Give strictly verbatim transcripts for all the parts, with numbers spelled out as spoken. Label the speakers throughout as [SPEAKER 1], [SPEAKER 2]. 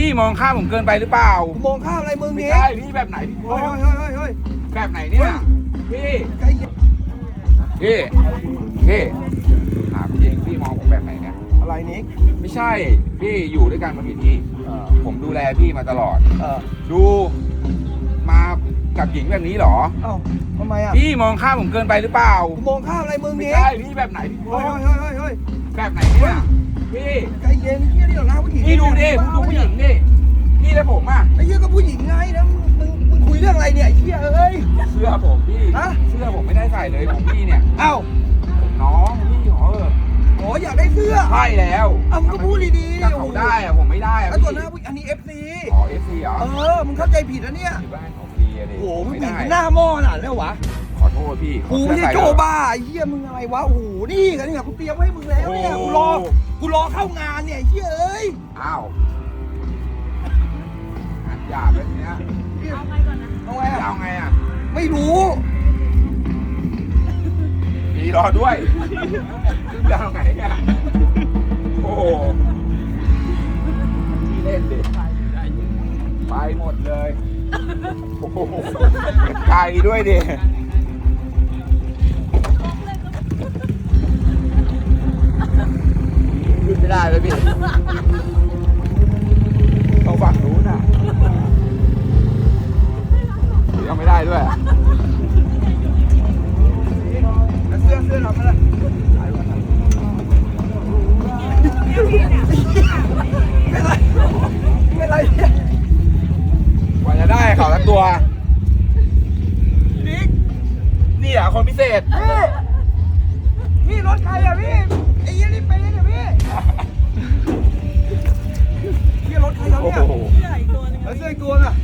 [SPEAKER 1] พี่มองข้ามผมเกินไปหรือเปล่า
[SPEAKER 2] กูมองข้ามอะไรมึง
[SPEAKER 1] ไม่
[SPEAKER 2] นี่
[SPEAKER 1] ใช่พี่แบบไหนพี่
[SPEAKER 2] เฮ้ยเฮ้ยเฮ้ยเฮ้ย
[SPEAKER 1] แบบไหนเนี่ยพี่
[SPEAKER 2] ใกล้เย็น
[SPEAKER 1] พี่พี่ถามจริงพี่มองผมแบบไหนเนี่ย
[SPEAKER 2] อะไรนิก
[SPEAKER 1] ไม่ใช่พี่อยู่ด้วยกันมากี่ที่
[SPEAKER 2] เออ
[SPEAKER 1] ผมดูแลพี่มาตลอด
[SPEAKER 2] เออ
[SPEAKER 1] ดูมากับหญิงแบบนี้เหรอ
[SPEAKER 2] เอ้าทำไมอ่ะ
[SPEAKER 1] พี่มองข้ามผมเกินไปหรือเปล่า
[SPEAKER 2] กูมองข้ามอะไรมึง
[SPEAKER 1] ไม่
[SPEAKER 2] นี่
[SPEAKER 1] ใช่พี่แบบไหนพี่
[SPEAKER 2] เฮ้ยเฮ้ยเฮ้ยเฮ้ย
[SPEAKER 1] แบบไหนเนี่ยพี่
[SPEAKER 2] ใกล้เย็นเฮียนี่เหรอหน้าผู้หญิง
[SPEAKER 1] พี่ดูดิผมดูผู้หญิงดิพี่และผมอ่ะ
[SPEAKER 2] ไอ้เฮียก็ผู้หญิงไงนะมึงมึงคุยเรื่องอะไรเนี่ยไอ้เฮียเอ้ย
[SPEAKER 1] เสื้อผมพี่
[SPEAKER 2] ฮะ
[SPEAKER 1] เสื้อผมไม่ได้ใส่เลยของพี่เนี่ย
[SPEAKER 2] เอ้า
[SPEAKER 1] ผมน้องพี่ขอเออ
[SPEAKER 2] โอ้อยากได้เสื้อ
[SPEAKER 1] ใช่แล้ว
[SPEAKER 2] เอ้ามึงก็พูดดีๆ
[SPEAKER 1] ถ้าเขาได้อะผมไม่ได้อะ
[SPEAKER 2] แล้ว
[SPEAKER 1] พี่
[SPEAKER 2] ตัวหน้าผู้อันนี้เอฟซี
[SPEAKER 1] อ๋อเอฟซีเหรอ
[SPEAKER 2] เออมึงเข้าใจผิดนะเนี่ย
[SPEAKER 1] อยู่บ้านของพี่อะดิ
[SPEAKER 2] โอ้โหมึง
[SPEAKER 1] ไม่
[SPEAKER 2] เปลี่ย
[SPEAKER 1] ได้
[SPEAKER 2] นหน้าหม้อขนาดแล้ววะ
[SPEAKER 1] ขอโทษพี่
[SPEAKER 2] กูไม่ใช่โจบ้าไอ้เหี้ยมึงอะไรวะโอ้โหนี่กันเนี่ยกูเตรียมไว้ให้มึงแล้วเนี่ยกูรอกูรอเข้างานเนี่ยไอ้เหี้ยเอ้ย
[SPEAKER 1] อ้าวอัดหยาบแบบเนี้ย
[SPEAKER 3] เอาไงก่อนนะ
[SPEAKER 2] เอาไง
[SPEAKER 1] จะ
[SPEAKER 2] อะ
[SPEAKER 1] เอาไงอ่ะ
[SPEAKER 2] ไม่รู้
[SPEAKER 1] พี่รอด้วยจะเอาไงอ่ะโอ้โหพี่เล่นดิไปหมดเลยโอ้โหไกลด้วยดิขึ้นไม่ได้เลยพี่ต้องฝั่งนู้นน่ะยังไม่ได้ด้วย
[SPEAKER 2] แล้วเสื้อเสื้อเราไม่ละไม่ไรไม่ไรเนี่ย
[SPEAKER 1] กว่าจะได้เขาละตัว
[SPEAKER 2] นิก
[SPEAKER 1] นี่เหรอคนพิเศษ
[SPEAKER 2] พี่พี่รถใครอะพี่ไอ้เหี้ยนี่เป็นเนี่ยพี่พี่รถใครเรา
[SPEAKER 1] โอ้
[SPEAKER 2] เนี่ย
[SPEAKER 1] โห
[SPEAKER 3] เสื้ออีกตัวหนึง
[SPEAKER 2] แล้วเสื้ออีกตัวน่ะ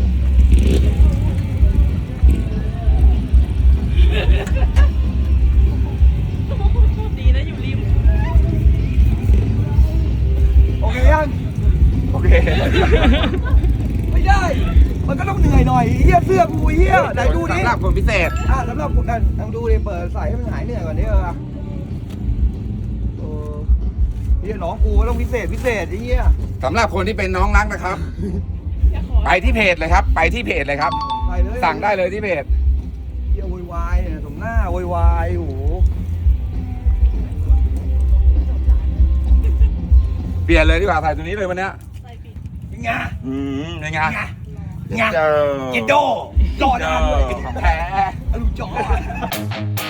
[SPEAKER 3] ดีนะอยู่ริม
[SPEAKER 2] โอเคยัง
[SPEAKER 1] โอเค
[SPEAKER 2] ไม่ได้ มันก็ต้องเหนื่อยหน่อยเฮียเสื้อกูเฮียไหนดูดิ
[SPEAKER 1] สำหรับคนพิเศษ
[SPEAKER 2] อ่ะสำหรับคุณกันลองดูดิเปิดใส่ให้มันหายเหนื่อยก่อนดิเออเออเฮียน้องกูก็ต้องพิเศษพิเศษไอ้เฮีย
[SPEAKER 1] สำหรับคนที่เป็นน้องรักนะครับ
[SPEAKER 3] จะขอ
[SPEAKER 1] ไปที่เพจเลยครับ ไปที่เพจเลยครับ
[SPEAKER 2] ใส่เลย
[SPEAKER 1] สั่งได้เลยที่เพจ
[SPEAKER 2] เฮียโวยวายเนี่ยสมหน้าโวยวายโอ้โห
[SPEAKER 1] เปลี่ยนเลยดีกว่าใส่ตัวนี้เลยวันเนี้ย
[SPEAKER 3] ใส่ปิด
[SPEAKER 2] ยังไง
[SPEAKER 1] อืมยังไง
[SPEAKER 2] ยังไง
[SPEAKER 1] เจอ
[SPEAKER 2] เจโดรอดานเลย
[SPEAKER 1] ของแท้
[SPEAKER 2] อลูกจอ